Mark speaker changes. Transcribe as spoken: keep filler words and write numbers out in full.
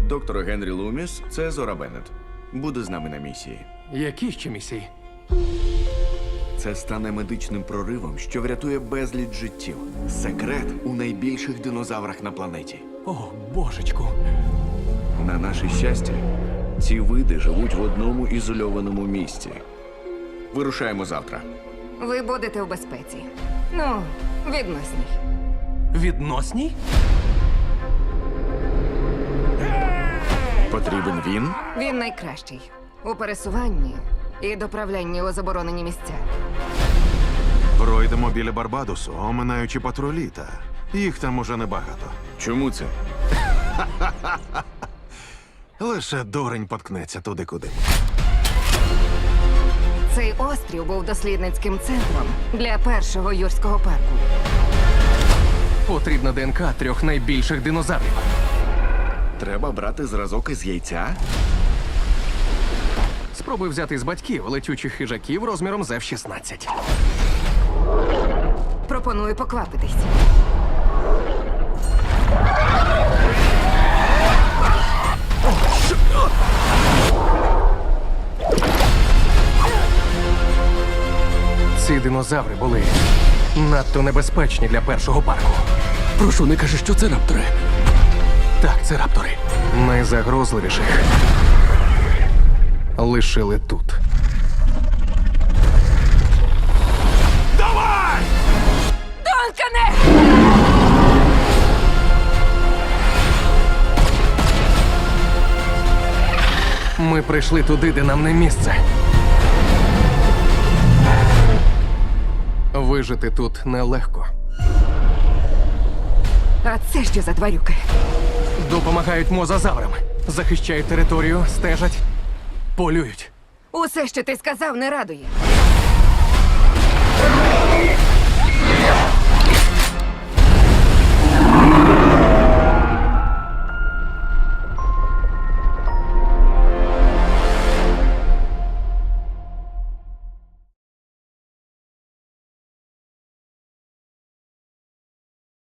Speaker 1: Доктор Генрі Луміс – це Зора Беннет. Буде з нами на місії.
Speaker 2: Які ще місії?
Speaker 1: Це стане медичним проривом, що врятує безліч життів. Секрет у найбільших динозаврах на планеті.
Speaker 2: О, божечку.
Speaker 1: На наше щастя, ці види живуть в одному ізольованому місці. Вирушаємо завтра.
Speaker 3: Ви будете у безпеці. Ну, відносній.
Speaker 2: Відносній?
Speaker 1: Потрібен він?
Speaker 3: Він найкращий у пересуванні і доправлянні у заборонені місця.
Speaker 4: Пройдемо біля Барбадосу, оминаючи патрулі, та їх там уже небагато.
Speaker 1: Чому це?
Speaker 4: Лише дурень поткнеться туди, куди.
Speaker 3: Цей острів був дослідницьким центром для першого юрського парку.
Speaker 2: Потрібна ДНК трьох найбільших динозаврів.
Speaker 1: Треба брати зразок із яйця?
Speaker 2: Спробуй взяти з батьків летючих хижаків розміром з еф шістнадцять.
Speaker 3: Пропоную поквапитись.
Speaker 2: Ці динозаври були надто небезпечні для першого парку.
Speaker 5: Прошу, не кажи, що це раптори.
Speaker 2: Так, це раптори. Найзагрозливіших лишили тут.
Speaker 3: Донкане!
Speaker 2: Ми прийшли туди, де нам не місце. Вижити тут нелегко.
Speaker 3: А це що за тварюки?
Speaker 2: Допомагають мозазаврам. Захищають територію, стежать, полюють.
Speaker 3: Усе, що ти сказав, не радує.